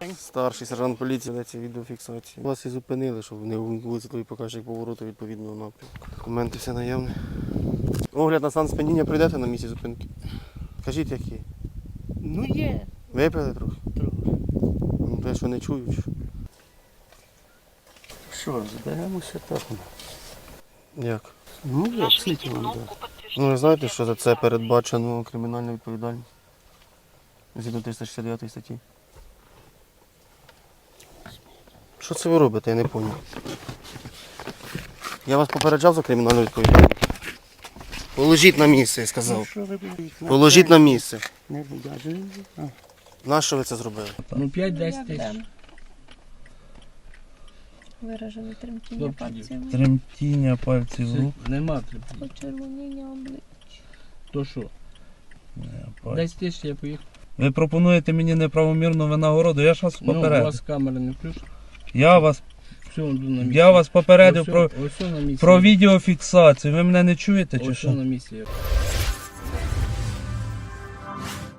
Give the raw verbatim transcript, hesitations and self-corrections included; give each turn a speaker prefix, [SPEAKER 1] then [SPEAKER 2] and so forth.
[SPEAKER 1] Старший сержант поліції ведеться відеофіксації. Вас і зупинили, щоб не вулиці твої показчик повороту відповідного напрямку. Документи все наявні. Огляд на стан сп'яніння пройдете на місці зупинки? Кажіть, які?
[SPEAKER 2] Ну є.
[SPEAKER 1] Випили трохи?
[SPEAKER 2] Трохи.
[SPEAKER 1] Ну, те, що не чують.
[SPEAKER 2] Що, зберемося так?
[SPEAKER 1] Як?
[SPEAKER 2] Ну, як слід вам дати.
[SPEAKER 1] Ну, ви знаєте, що за це передбачено кримінальна відповідальність? Згідно триста шістдесят дев'ятої статті. Що це ви робите, я не зрозумів. Я вас попереджав за кримінальну відповідальність. Положіть на місце, я сказав.
[SPEAKER 2] Що ви будете?
[SPEAKER 1] Положіть на місце.
[SPEAKER 2] Не буде.
[SPEAKER 1] Нащо ви це зробили?
[SPEAKER 2] Ну, п'ять-десять тисяч.
[SPEAKER 3] Виражене тремтіння пальців,
[SPEAKER 4] Тремтіння пальців рук.
[SPEAKER 2] Нема тремтіння.
[SPEAKER 3] почервоніння обличчя.
[SPEAKER 2] То що? десять тисяч я поїхав.
[SPEAKER 4] Ви пропонуєте мені неправомірну винагороду, я ж вас
[SPEAKER 2] Ну, у
[SPEAKER 4] попередив.
[SPEAKER 2] вас камера не включена.
[SPEAKER 4] Я вас,
[SPEAKER 2] Все, йду на місці.
[SPEAKER 4] я вас попередив
[SPEAKER 2] Ось
[SPEAKER 4] про,
[SPEAKER 2] все- ось все на місці.
[SPEAKER 4] про відеофіксацію. Ви мене не чуєте чи
[SPEAKER 2] Ось все
[SPEAKER 4] що?
[SPEAKER 2] на місці.